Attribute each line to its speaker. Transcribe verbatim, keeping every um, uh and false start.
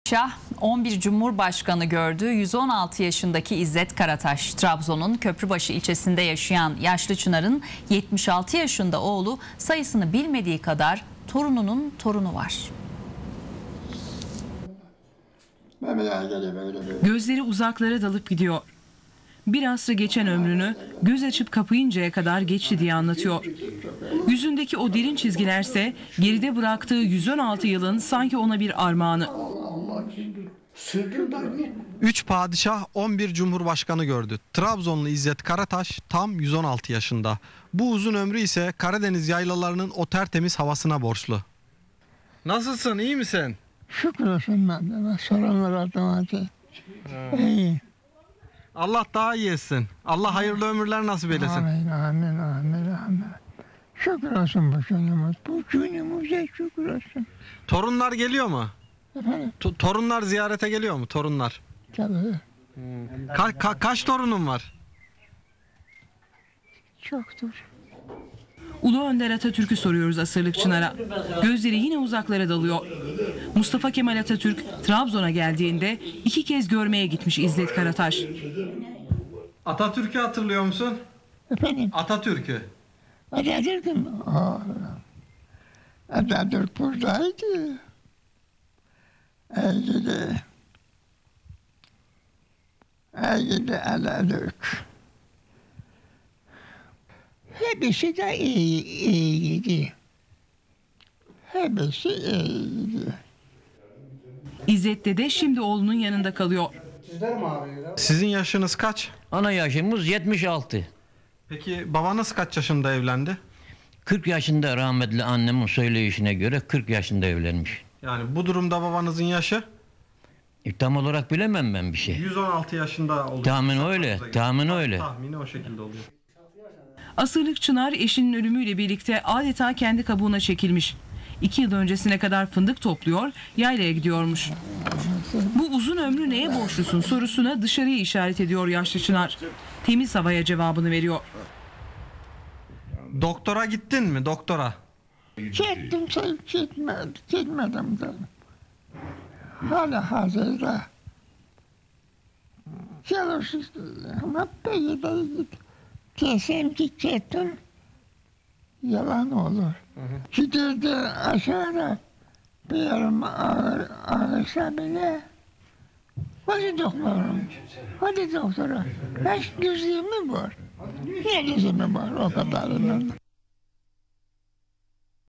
Speaker 1: Şah on bir Cumhurbaşkanı gördü. yüz on altı yaşındaki İzzet Karataş, Trabzon'un Köprübaşı ilçesinde yaşayan yaşlı Çınar'ın yetmiş altı yaşında oğlu, sayısını bilmediği kadar torununun torunu var.
Speaker 2: Gözleri uzaklara dalıp gidiyor. Bir asrı geçen ömrünü göz açıp kapayıncaya kadar geçti diye anlatıyor. Yüzündeki o derin çizgilerse geride bıraktığı yüz on altı yılın sanki ona bir armağanı.
Speaker 3: Üç padişah on bir cumhurbaşkanı gördü. Trabzonlu İzzet Karataş tam yüz on altı yaşında. Bu uzun ömrü ise Karadeniz yaylalarının o tertemiz havasına borçlu. Nasılsın, iyi misin?
Speaker 4: Şükür olsun ben de. Soranlar adıma. İyi.
Speaker 3: Allah daha iyi etsin. Allah hayırlı ömürler nasip eylesin.
Speaker 4: Amin, amin, amin, amin. Şükür olsun bu günümüz. Bu günümüze şükür olsun.
Speaker 3: Torunlar geliyor mu?
Speaker 4: Efendim?
Speaker 3: To- torunlar ziyarete geliyor mu? Torunlar.
Speaker 4: Tabii.
Speaker 3: Ka- ka- kaç torunun var?
Speaker 4: Çoktur.
Speaker 2: Ulu Önder Atatürk'ü soruyoruz asırlık Çınar'a. Gözleri yine uzaklara dalıyor. Mustafa Kemal Atatürk Trabzon'a geldiğinde iki kez görmeye gitmiş İzzet Karataş.
Speaker 3: Atatürk'ü hatırlıyor musun?
Speaker 4: Efendim?
Speaker 3: Atatürk'ü.
Speaker 4: Atatürk mü? Aa, Atatürk buradaydı. Ey gidi. Ey gidi Atatürk. Hepsi de iyi, iyiydi. Hepsi iyiydi.
Speaker 2: İzzet dede şimdi oğlunun yanında kalıyor.
Speaker 3: Sizin yaşınız kaç?
Speaker 5: Ana yaşımız yetmiş altı.
Speaker 3: Peki babanız kaç yaşında evlendi?
Speaker 5: kırk yaşında rahmetli annemin söyleyişine göre kırk yaşında evlenmiş.
Speaker 3: Yani bu durumda babanızın yaşı
Speaker 5: E, tam olarak bilemem ben bir şey.
Speaker 3: yüz on altı yaşında oluyor.
Speaker 5: Tahmin öyle, tahmin öyle.
Speaker 3: Tahmini o şekilde oluyor.
Speaker 2: Asırlık Çınar eşinin ölümüyle birlikte adeta kendi kabuğuna çekilmiş. İki yıl öncesine kadar fındık topluyor, yaylaya gidiyormuş. Bu uzun ömrü neye borçlusun sorusuna dışarıya işaret ediyor yaşlı Çınar. Temiz havaya cevabını veriyor.
Speaker 3: Doktora gittin mi doktora?
Speaker 4: Gittim sen gitmedim, gitmedim de. Hala hazırda. Çalışır ama peki de git. Desem ki gittim, yalan olur. Giderdi aşağıda, bir yerim ağır, ağırsa bile, hadi doktorum, hadi doktora, kaç düzlüğü mü var? Ne düzlüğü var o kadarının?